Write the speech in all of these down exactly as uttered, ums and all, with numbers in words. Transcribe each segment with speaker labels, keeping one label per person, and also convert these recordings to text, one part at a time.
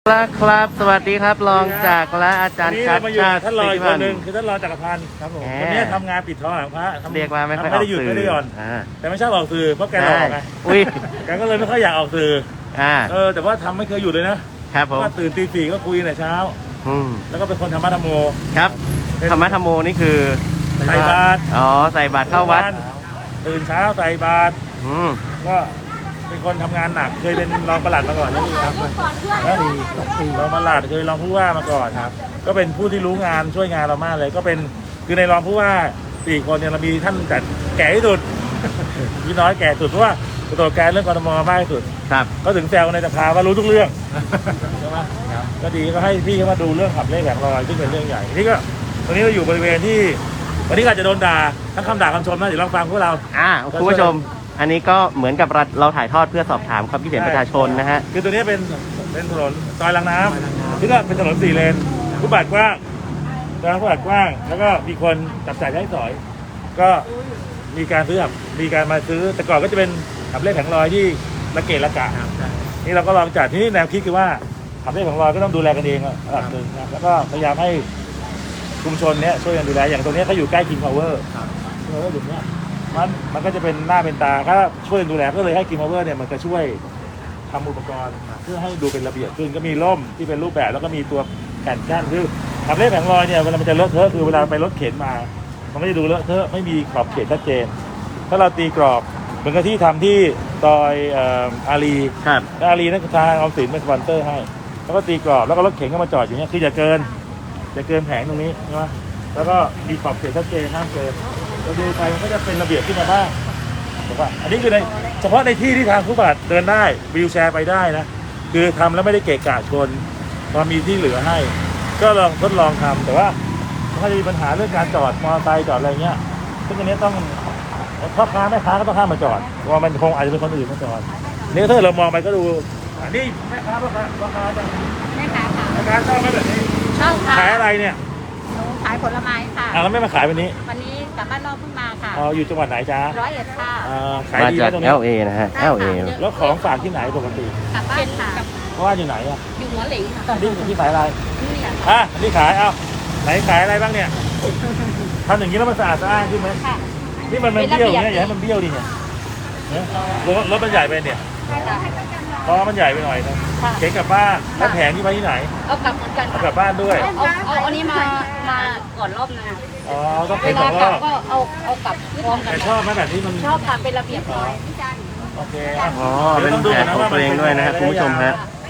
Speaker 1: ครับสวัสดีครับรองจากและอาจารย์ชัดชาติ
Speaker 2: ท่านรองอีกคนหนึ่งคือท่านรองจักรพันธ์ครับผมคนนี้ทำงานปิดทองหลังพระ
Speaker 1: เรียกว่าไม่ค่อยออกสื่อ
Speaker 2: ไม่ได้หย่อนแต่ไม่ชอบออกสื่อเพราะแกหลอกไง
Speaker 1: อุ้ย
Speaker 2: แกก็เลยไม่ค่อยอยากออกสื่อ
Speaker 1: อ่า
Speaker 2: เออแต่ว่าทำไม่เคยหยุดเลยนะครับผมตื่นตีสี่ก็คุยแต่เช้าแล้วก็เป็นคนธรรมะธรรมโม
Speaker 1: ครับธรรมะธรรมโมนี่คือ
Speaker 2: ใส่บาตร
Speaker 1: อ๋อใส่บาตรเข้าวัด
Speaker 2: ตื่นเช้าใส่บาตรก็เป็นคนทำงานหนักเคยเป็นรองปลัดมาก่อนนี่ครับแล้วรองปลัดเคยรองผู้ว่ามาก่อนครับก็เป็นผู้ที่รู้งานช่วยงานเรามากเลยก็เป็นคือในรองผู้ว่าสี่คนเนี่ยเรามีท่านแต่แก่ที่สุดพี่น้อยแก่สุดเพราะว่าตัวแกเรื่องกรทมมากที่สุด
Speaker 1: ครับ
Speaker 2: ก็ถึงแซวในสภาว่ารู้ทุกเรื่องใช่ไหมก็ดีก็ให้พี่เขามาดูเรื่องขับเลขแผงลอยซึ่งเป็นเรื่องใหญ่นี่ก็ตอนนี้เราอยู่บริเวณที่วันนี้อาจจะโดนด่าทั้งคำด่าคำชมนะเดี๋ยวลองฟังพวกเรา
Speaker 1: อ่าคุณผู้ชมอันนี้ก็เหมือนกับเราถ่ายทอดเพื่อสอบถามความคิดเห็นประชาชนนะฮะ
Speaker 2: คือตัวนี้เป็นเป็นถนนซอยลังน้ำที่ก็เป็นถนนสี่เลนผู้บาดกว้างทางผู้บาดกว้างแล้วก็มีคนจับจ่ายใช้สอยก็มีการซื้อมีการมาซื้อแต่ก่อนก็จะเป็นขับเลขแผงลอยที่ระเกะระกะนี่เราก็ลองจัดที่นี่แนวคิดคือว่าขับเลขแผงลอยก็ต้องดูแลกันเองระดับหนึ่งนะแล้วก็พยายามให้ชุมชนเนี้ยช่วยกันดูแลอย่างตรงนี้เขาอยู่ใกล้ King Power เออจุดเนี้ยมันมันก็จะเป็นหน้าเป็นตาถ้าช่วยดูแลก็เลยให้ King Power เนี่ยมันจะช่วยทำอุปกรณ์เพื่อให้ดูเป็นระเบียบขึ้นก็มีร่มที่เป็นรูปแบบแล้วก็มีตัวแผ่นกั้นคือขับเลขแผงลอยเนี่ยเวลามันจะเลอะเทอะคือเวลาไปรถเข็นมามันก็จะดูเลอะเทอะไม่มีขอบเขตชัดเจนถ้าเราตีกรอบเหมือนกับที่ทำที่ซอยอารี
Speaker 1: ครับ
Speaker 2: อารีนักทางออมสินเป็นสปอนเซอร์ให้แล้วก็ตีกรอบแล้วก็รถเข็นก็มาจอดอย่างเงี้ยคืออย่าเกินอย่าเกินแผงตรงนี้ใช่ไหมแล้วก็มีขอบเขตชัดเจนห้ามเกินเราดูไปมันก็จะเป็นระเบียบขึ้นมาบ้างถูกป่ะอันนี้คือในเฉพาะในที่ที่ทางผู้บาดเดินได้วีลแชร์ไปได้นะคือทำแล้วไม่ได้เกะกะชนพอมีที่เหลือให้ก็ลองทดลองทำแต่ว่าถ้าจะมีปัญหาเรื่องการจอดมอเตอร์ไซค์จอดอะไรเงี้ยซึ่งอันนี้ต้องพ่อค้าแม่ค้าก็ต้องห้ามมาจอดเพราะมันคงอาจจะเป็นคนอื่นมาจอดนี่ถ้าเรามองไปก็ดูอันนี้แม่ค้าพ่อค้าพ่อค้าจะ
Speaker 3: แม่ค้าค่ะ
Speaker 2: แม่ค้าชอบไหมแบบนี้
Speaker 3: ชอบค่ะ
Speaker 2: ขายอะไรเนี่ย
Speaker 3: ขายผลไม้ค่ะ
Speaker 2: อ่าแล้วไม่มาขายวันนี้
Speaker 3: วันนี้กลับบ้านนอกเพิ่งมาค่ะ
Speaker 2: อ๋ออยู่จังหวัดไหนจ๊ะ
Speaker 3: ร้อยเอ็ดค่ะ
Speaker 2: อ่าขายดีไหมตรงนี้
Speaker 1: แอล เอ นะฮะ แอล เอ
Speaker 2: แล้วของฝากที่ไหนปกติ
Speaker 3: กลับบ้านค่ะ
Speaker 2: เพราะว่าอยู่ไหนอ่ะ
Speaker 3: อยู่หัวหลิงค่ะ
Speaker 2: นี่ที่ขายอะไร
Speaker 3: นี่ค่ะ
Speaker 2: อ่ะนี่ขายเอ้าไหนขายอะไรบ้างเนี่ยทำอย่างนี้แล้วมันสะอาดสะอ้านขึ้นไหม
Speaker 3: ค่ะ
Speaker 2: นี่มันมันเบี้ยวเนี่ยอย่าให้มันเบี้ยวดิเนี่ยรถรถมันใหญ่ไปเนี่ยเพราะมันใหญ่ไปหน่อยนะเข็นกลับบ้านแล้วแผงที่ไปที่ไหน
Speaker 3: เอากลับเหมือนกัน
Speaker 2: เอากลับบ้านด้วย
Speaker 3: เอาเอาอันนี้มามาก่อนรอบนึง
Speaker 2: อ๋อต้อง
Speaker 3: เว
Speaker 2: เข็นสองรอบ
Speaker 3: ก็เอาเอากลับพร้อมกัน
Speaker 2: แต่ชอบไหมแบบนี้มัน
Speaker 3: ชอบค่ะเป็นระเบียบร้อย
Speaker 2: โอเค
Speaker 1: อ๋อเป็นแผนของตัวเองด้วยนะฮะคุณผู้ชมฮะ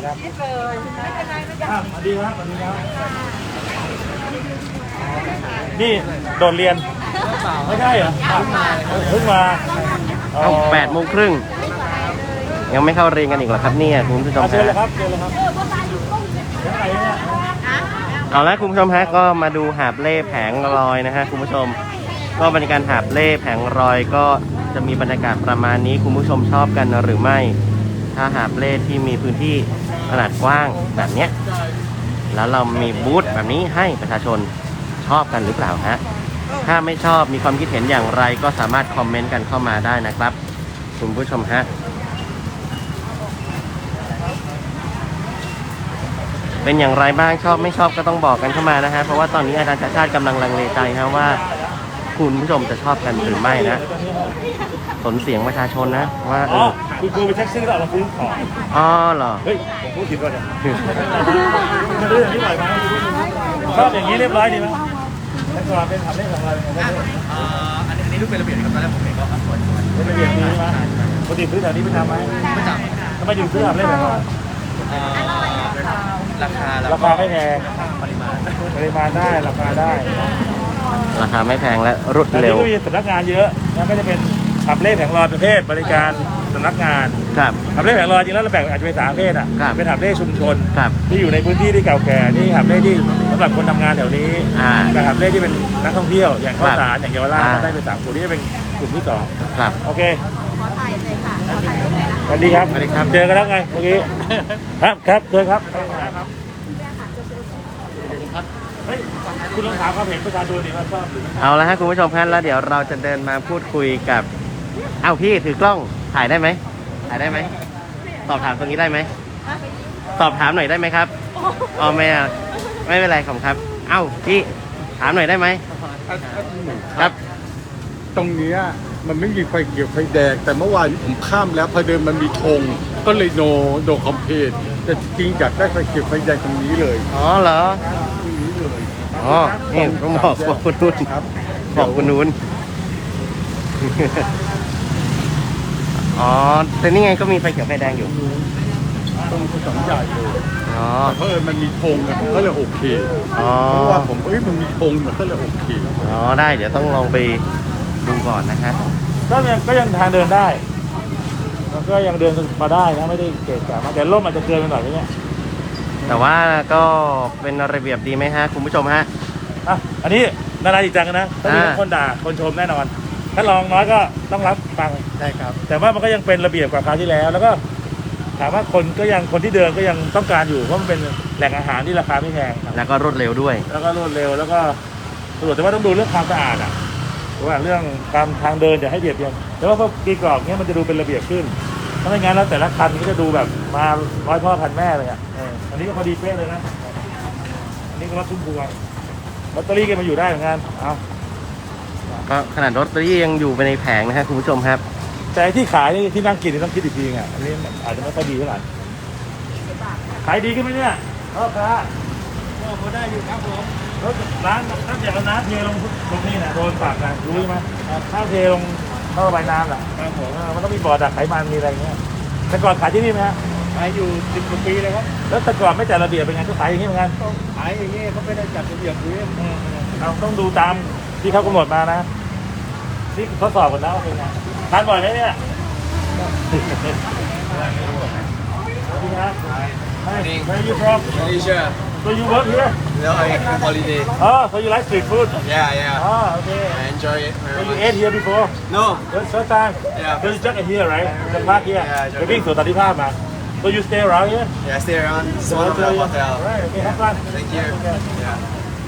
Speaker 2: สวัสดีครับสวัสดีครับนี่โดดเรียนไม่ใช่เหรอเพิ่งมา
Speaker 1: เอาแปดโมงครึ่งยังไม่เข้าเรียนกันอีกเหรอครับเนี่ยคุณผู้ชมฮะ
Speaker 2: เชิญเลยครับเชิญเลยครับ
Speaker 1: เอาละคุณผู้ชมฮะก็มาดูหาบเล่แผงลอยนะฮะคุณผู้ชมก็บรรยากาศหาบเล่แผงลอยก็จะมีบรรยากาศประมาณนี้คุณผู้ชมชอบกันหรือไม่ถ้าหาบเล่ที่มีพื้นที่ขนาดกว้างแบบเนี้ยแล้วเรามีบูธแบบนี้ให้ประชาชนชอบกันหรือเปล่าฮะถ้าไม่ชอบมีความคิดเห็นอย่างไรก็สามารถคอมเมนต์กันเข้ามาได้นะครับคุณผู้ชมฮะเป็นอย่างไรบ้างชอบไม่ชอบก็ต้องบอกกันเข้ามานะฮะเพราะว่าตอนนี้อาจารย์ชาติชาติกำลังลังเลใจนะว่าคุณผู้ชมจะชอบกันหรือไม่นะสนเสียงประชาชนนะว่าเออ
Speaker 2: คุณครูไปแท็กซี่แล้วเราซื้อของ
Speaker 1: อ๋อเหรอ
Speaker 2: เฮ้ยผมพูดผิดก่อนเนี่ยมาดูอย่างนี้หน่อยไหมชอบอย่างนี้เรียบร้อยดีไหมแต่ก่อนเป็นทำได้ของเรา
Speaker 4: อ่าอันนี้รูปเป็นระเบียบครับตอนแรกผมเห็นก็สวยๆ
Speaker 2: เป็นระเบียบดีไหมปกติซื้อแถวนี้ไปทำไหม
Speaker 4: ไม่จำ
Speaker 2: ทำไมถึงซื้อทำได้แบบนี้
Speaker 4: ราคา
Speaker 2: ราคาไม่แพง
Speaker 4: ปริมาณ
Speaker 2: ปริมาณได้ราคาได้
Speaker 1: ราคาไม่แพงและรวดเร็ว
Speaker 2: มีสำนักงานเยอะแล้วก็จะเป็นขับเลขแผงลอยประเภทบริการสำนักงาน
Speaker 1: ครับ
Speaker 2: ขับเลขแผงลอยจริงแล้วเราแบ่งอาจจะเป็นสามประเภทอ่ะเป็นขับเลขชุมชน
Speaker 1: ครับ
Speaker 2: ที่อยู่ในพื้นที่ที่เก่าแก่นี่ขับเลขที่สำหรับคนทำงานแถวนี้กับขับเลขที่เป็นนักท่องเที่ยวอย่างข้าวสารอย่างเยาวราชได้เป็นสามกลุ่มนี้จะเป็นกลุ่มที่สอง
Speaker 1: ครับ
Speaker 2: โอเคสวัสดีครับสวัสดีครับเจอกันแล้วไงเมื่อกี้ครับครับเจอครับคุณลองถามความเห็นประชาชนดิว่าชอบหรือไม่
Speaker 1: เอาละฮะคุณผู้ชมครับแล้วเดี๋ยวเราจะเดินมาพูดคุยกับเอ้าพี่ถือกล้องถ่ายได้ไหมถ่ายได้ไหมสอบถามตรงนี้ได้ไหมสอบถามหน่อยได้ไหมครับอ๋อไม่อะไม่เป็นไรขอบคุณครับ เอ้าพี่ถามหน่อยได้ไหมครับ
Speaker 5: ตรงเนี้ยมันไม่มีไฟเขียวไฟแดงแต่เมื่อวานนี้ผมข้ามแล้วพอเดินมันมีธงก็เลยโนโนคอมเพลนแต่จริงๆอยากได้ไฟเขียวไฟแดงตรงนี้เลย
Speaker 1: อ๋อเหรอ
Speaker 5: ตรงนี้เลย
Speaker 1: อ๋อนี่ต้องบอกบอกคุณนุ่น
Speaker 5: ครับ
Speaker 1: บอกคุณนุ่นอ๋อแต่นี่ไงก็มีไฟเขียวไฟแดงอยู่
Speaker 5: ตรงสองใหญ่เลย
Speaker 1: อ๋อ
Speaker 5: แต่เพราะเอิญมันมีธงอะผมก็เลยโอเค
Speaker 1: อ๋อ
Speaker 5: เพราะว่าผมเอ้ยมันมีธงมันก็เลยโอเค
Speaker 1: อ๋อได้เดี๋ยวต้องลองไปดูก่อนนะฮะ
Speaker 2: ก็ยังก็ยังทางเดินได้มันก็ยังเดินมาได้นะไม่ได้เกะกะมากแต่ร่มอาจจะเกินไปหน่อยเนี่ย
Speaker 1: แต่ว่าก็เป็นระเบียบดีไหมฮะคุณผู้ชมฮะ
Speaker 2: อ่ะอันนี้นานาจิตจังนะต้องมี
Speaker 1: อ่า
Speaker 2: คนด่าคนชมแน่นอน ถ้าลองน้อยก็ต้องรับฟัง
Speaker 5: ได้ครับ
Speaker 2: แต่ว่ามันก็ยังเป็นระเบียบกว่าคราวที่แล้ว แล้วก็ถามว่าคนก็ยังคนที่เดินก็ยังต้องการอยู่เพราะมันเป็นแหล่งอาหารที่ราคาไม่แพงครับ
Speaker 1: แล้วก็รวดเร็วด้วย
Speaker 2: แล้วก็รวดเร็วแล้วก็สะดวกแต่ว่าต้องดูเรื่องความสะอาดอ่ะเพราะว่าเรื่องการทางเดินอย่าให้เบียดเบียนแต่ว่าพอกีกรอบเนี้ยมันจะดูเป็นระเบียบขึ้นถ้าไม่งั้นแล้วแต่ละคันก็จะดูแบบมาร้อยพ่อพันแม่เลยอ่ะเอออันนี้ก็พอดีเป๊ะเลยนะอันนี้ก็รถทุ่มพวงลอตเตอรี่ก็มาอยู่ได้เหมือนกันเอา
Speaker 1: ก็ขนาดรถตอรี่ยังอยู่ไปในแผงนะฮะคุณผู้ชมครับ
Speaker 2: แต่ที่ขายนี่ที่นั่งกินนี่ต้องคิดอีกทีไงอันนี้มันอาจจะไม่ค่อยดีเท่าไหร่ขายดีขึ้นไหมเนี่ยพ่อค้าก็พอได้อยู่ครับผมรถร้านน้ำจากน้ำเทลงตรงนี้นะโดนปากนะรู้ไหมถ้าเทลงท่อระบายน้ำแหละครับผมมันต้องมีบ่อดักไขมันมีอะไรเงี้ยแต่ก่อนขายที่นี่ไหมฮะขายอยู่สิบกว่าปีเลยครับแล้วแต่ก่อนไม่จัดระเบียบเป็นไงก็ขายอย่างนี้เหมือนกันขายอย่างนี้เขาไม่ได้จัดระเบียบเลยเราต้องดูตามที่เขากำหนดมานะนี่ทดสอบก่อนนะว่าเป็นไงทานบ่อยไหมเนี่ยสวัสดีครับ Hi, where are you from?
Speaker 4: Malaysia
Speaker 2: So you work here?
Speaker 4: no I holiday
Speaker 2: Oh, so you like street food?
Speaker 4: yeah yeah
Speaker 2: Oh, okay.
Speaker 4: I enjoy it
Speaker 2: So
Speaker 4: very
Speaker 2: you
Speaker 4: much
Speaker 2: ate here before?
Speaker 4: no
Speaker 2: First first time?
Speaker 4: Yeah.
Speaker 2: So you just here, right? The park here.
Speaker 4: Yeah, just
Speaker 2: ไปวิ่งสวนสันติภาพมา So you stay around here?
Speaker 4: yeah stay around it's one of the hotel
Speaker 2: Alright, okay, have fun.
Speaker 4: thank you yeah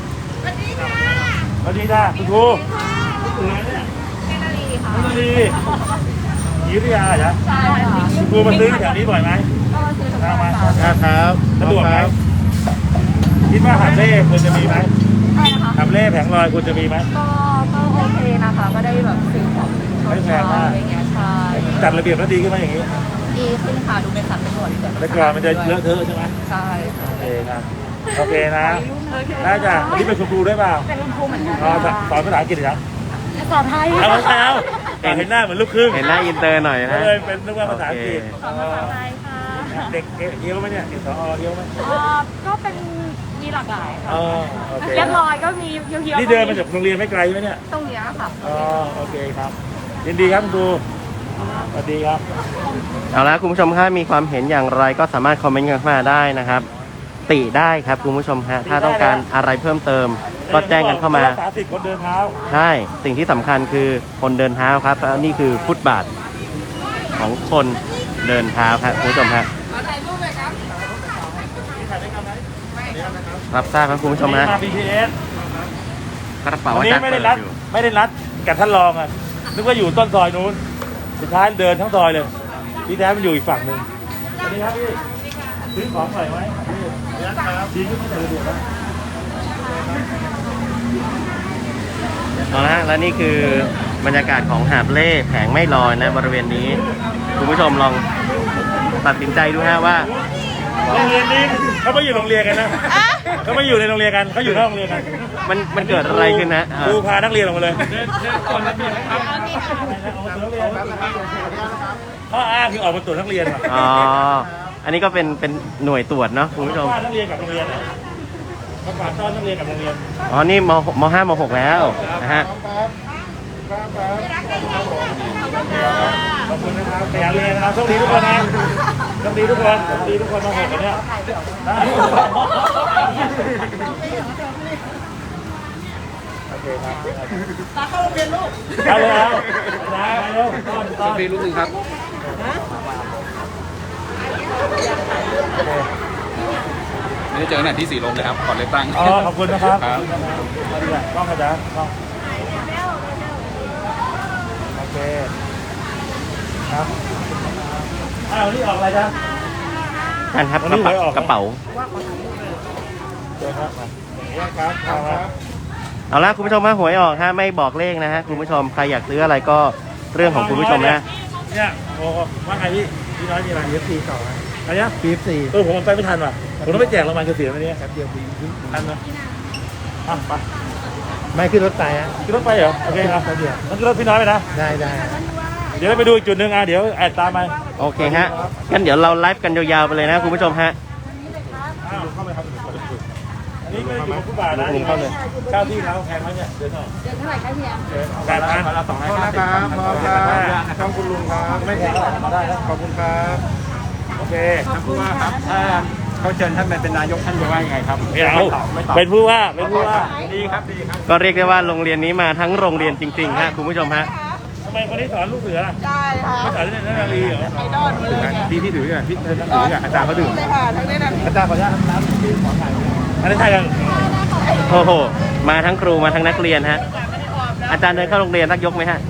Speaker 2: สวัสดีจ้าคุณครูคุณครูเนี่ยคุณลีอยุธยาเหรอ
Speaker 3: ใช่ค่ะ
Speaker 2: คุณครูมาซื้อแถวนี้บ่อยไหม
Speaker 3: ก็ซื้อทุก
Speaker 2: มา
Speaker 3: วั
Speaker 2: มาน
Speaker 3: ค่ะ
Speaker 1: ครับ
Speaker 2: สะดวกไหมคิดว่าหาบเล่ควรจะมีไหม
Speaker 3: ใช่นะคะ
Speaker 2: หาบเล่แผงลอยควรจะมีไหม
Speaker 3: ก็ก็โอเคนะคะ ก็ได้แบบซื้อของตอนเช้าอะไรเงี้ยใช่
Speaker 2: จัดระเบียบแล้วดีขึ้นไหมอย่างนี้
Speaker 3: ดีขึ้นค่ะดูเป็นสัดเป็นส่วนเกิด
Speaker 2: แต่ก่อนมันจะเลอะเทอะใช่ไหม
Speaker 3: ใช่ค่ะ
Speaker 2: โอเคนะโอเคนะได้จ้ะวันนี้เป็นคุณครูด้วยเปล่า
Speaker 3: เป็นคุณครูเหมือนกัน
Speaker 2: อ๋อสอนภาษาอังกฤษเหรอ
Speaker 3: สอนไทย
Speaker 2: เอาไม่ใช่เอาเห็นหน้าเหมือนลูกครึ่ง
Speaker 1: เห็นหน้าอินเตอร์หน่อย
Speaker 2: ก็
Speaker 1: นะ
Speaker 2: เลยเป็นนึกว่าภาษาอังกฤษ
Speaker 3: สอนภาษาไทยค่ะ
Speaker 2: เด็กเอี้ยวไหมเนี่ยเด็กสอเอี้ยวไหม
Speaker 3: เอ่อก็เป็นมีหลากหลายค่ะ
Speaker 2: อ๋อโอเค
Speaker 3: เรียบร้อยก็มีเพียวๆ
Speaker 2: นี่เดินมาจากโรงเรียนไม่ไกลไหมเนี่ย
Speaker 3: ตรงเนี้ยค่ะ
Speaker 2: อ๋อโอเคครับยินดีครับคุณครูสวัสดีครับ
Speaker 1: เอาละคุณผู้ชมถ้ามีความเห็นอย่างไรก็สามารถคอมเมนต์กันเข้ามาได้นะครับ ติได้ครับคุณผู้ชมฮะถ้าต้องการอะไรเพิ่มเติม ก็แจ้งกันเข้ามา
Speaker 2: รักษาสิทธิ์คนเดินเท้า
Speaker 1: ใช่สิ่งที่สำคัญคือคนเดินเท้าครับแล้วนี่คือฟุตบาทของคนเดินเท้าครับคุณผู้ชมฮะรับทราบครับคุณผู้ชมฮะ
Speaker 2: มา บี ที เอส
Speaker 1: กระเป๋า
Speaker 2: วัน
Speaker 1: อา
Speaker 2: นี้
Speaker 1: จารย์
Speaker 2: ไม่
Speaker 1: เปิ
Speaker 2: ได้
Speaker 1: ด
Speaker 2: นัด
Speaker 1: อยู่
Speaker 2: ไม่ได้นัดกับท่านรองอ่ะนึกว่าอยู่ต้นซอยนู้นสุดท้ายเดินทั้งซอยเลยที่แท้มันอยู่อีกฝั่งหนึ่งสวัสดีครับพี่ซื้อของหน่อยไหมพี่ดีขึ้นไม่แต่ระเบียบนะ
Speaker 1: เอาละฮะและนี่คือบรรยากาศของหาบเล่แผงไม่ลอยนะบริเวณนี้คุณผู้ชมลองตัดสินใจดูฮะว่า
Speaker 2: โรงเรียนนี้เขาไม่อยู่โรงเรียนกันนะเขาไม่อยู่ในโรงเรียนกันเขาอยู่นอกโรงเรียนกัน
Speaker 1: มันมันเกิดอะไรขึ้นนะ
Speaker 2: ครูพานักเรียนออกมาเลยข้ออ้างคือออกมาตรวจนักเรียนว่ะ
Speaker 1: อ๋ออันนี้ก็เป็นเป็นหน่วยตรวจเนาะคุณผู้ชม
Speaker 2: ว่านักเรียนกับโรงเรียนเนี่ยประกาศต้อนนักเรียนกับโรงเรียน
Speaker 1: อ๋อนี่มมห้ามหกแล้วนะฮะ
Speaker 2: ขอบคุณนะครับขยันเรียนนะครับโชคดีทุกคนนะโชคดีทุกคนโชคดีทุกคนมาหกกันเนี่ยโอเคครับตาเข้าโรงเรียนลูกเอาเลยเอาเอาเร็วต้อนต้อน
Speaker 4: มีลูกหนึ่งครับไม่ได้เจอกันไหนที่สีลมเลยครับก่อนเลือกตั้ง
Speaker 2: อ๋อขอบคุณนะครับ
Speaker 4: ครับ
Speaker 2: เอาดีกว่ากล้องกระจายกล้องโอเคครับอ้าวนี่ออกอะไรจ๊ะ
Speaker 1: ท่านครับ
Speaker 2: วัน
Speaker 1: ก
Speaker 2: นี้
Speaker 1: ระเป๋า
Speaker 2: หวยออก
Speaker 1: กระเป๋า
Speaker 2: เชิญครับมา
Speaker 5: ครับครับ
Speaker 1: เอาละคุณผู้ชมฮะหวยออกฮะไม่บอกเลขนะฮะคุณผู้ชมใครอยากซื้ออะไรก็เรื่องของคุณผู้ชมนะ
Speaker 2: เนี่ยโอ้ว่าไงพี่พี่น้อยมีอะไร
Speaker 5: เอฟซีต่อ
Speaker 2: อะไรเนี่ย
Speaker 5: ปีฟซี
Speaker 2: เออผมไปไม่ทันว่ะผมต้องไปแจกรางวัลเกษียณวันนี้
Speaker 5: แป๊บเดียวปี
Speaker 2: ทันไหมอ่ะไป
Speaker 5: ไม่ขึ้นรถไฟฮะ
Speaker 2: ขึ้นรถไปเหรอโอเคครับ
Speaker 5: แป๊บเดียว
Speaker 2: งั้นขึ้นรถพี่น้อยไปนะ
Speaker 5: ได้ได้
Speaker 2: เดี๋ยวเราไปดูอีกจุดหนึ่งอ่ะเดี๋ยวแอดตามไป
Speaker 1: โอเคฮะงั้นเดี๋ยวเราไลฟ์กันยาวๆไปเลยนะคุณผู้ชมฮะ
Speaker 2: อ้าวเข้าไปครับอันนี้ก็อยู่กับผู้บ่าวนะเข้าเลยเจ้าที่เขาแพงไหมเนี่ยเดือนเท่าไหร่
Speaker 3: เดือนเท่าไหร่คะเฮีย
Speaker 2: แปดพัน
Speaker 4: ละสองร้อย
Speaker 5: ขอบ
Speaker 4: ห้า
Speaker 5: คุณ
Speaker 4: สิบ
Speaker 5: นะครับขอบคุณครับขอบคุณลุงครับไม่แพงได้แล้วขอบคุณครับ
Speaker 2: โอเค
Speaker 4: ท่านผู้ว่าครับถ้าเขาเชิญท่านมาเป็นนายกท่านจะว่ายังไงครับ
Speaker 2: ไม่เอา
Speaker 4: ไม่ตอบ
Speaker 2: เป็นผู้ว่าเป็นผู้ว่า
Speaker 4: ดีครับดีครับ
Speaker 1: ก็เรียกได้ว่าโรงเรียนนี้มาทั้งโรงเรียนจริงๆฮะคุณผู้ชมฮะ
Speaker 2: ทำไมคนนี้สอนลูกเสือล่ะ
Speaker 3: ได้ค่ะ
Speaker 2: ไม่สอนเรื่องนาลีเหรอ
Speaker 3: ไอดอลมาเลยค่ะ
Speaker 5: พี่พี่ถืออ่ะพี่ถืออ่ะอาจารย์เขาดื่ม
Speaker 3: เลยค่ะทั้งนี้นะ
Speaker 5: อาจารย์ขออนุญาตน้ำพี่ขอถ่าย
Speaker 2: อันนี้ใช่กัน
Speaker 1: โอ้โหมาทั้งครูมาทั้งนักเรียนฮะอาจารย์เดินเข้าโรงเรียนสักยกไหมฮะ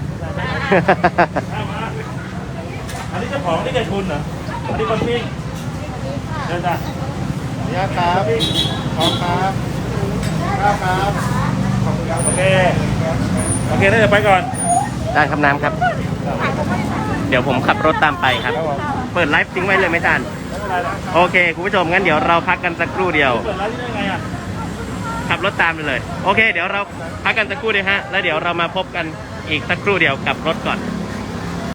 Speaker 2: อันนี้เจ้าของนี่ใจทุนเหรออันนี้คนปิ้งเดินจ้ะ
Speaker 5: ขออนุญาตครับขอบครับครับครับขอบคุณครับ
Speaker 2: โอเคโอเคได้เดี๋ยวไปก่อน
Speaker 1: ได้ครับน้ำครับ เดี๋ยวผมขับรถตามไปครับ เปิดไลฟ์ทิ้งไว้เลยไหมอาจารย์
Speaker 2: ไม่เป็นไรนะ
Speaker 1: โอเคคุณผู้ชมงั้นเดี๋ยวเราพักกันสักครู่เดียว
Speaker 2: เปิดร้านที่ได้ไงอ่ะ
Speaker 1: ขับรถตามไปเลย โอเค เดี๋ยวเราพักกันสักครู่เดียวฮะแล้วเดี๋ยวเรามาพบกันอีกสักครู่เดียวกับรถก่อน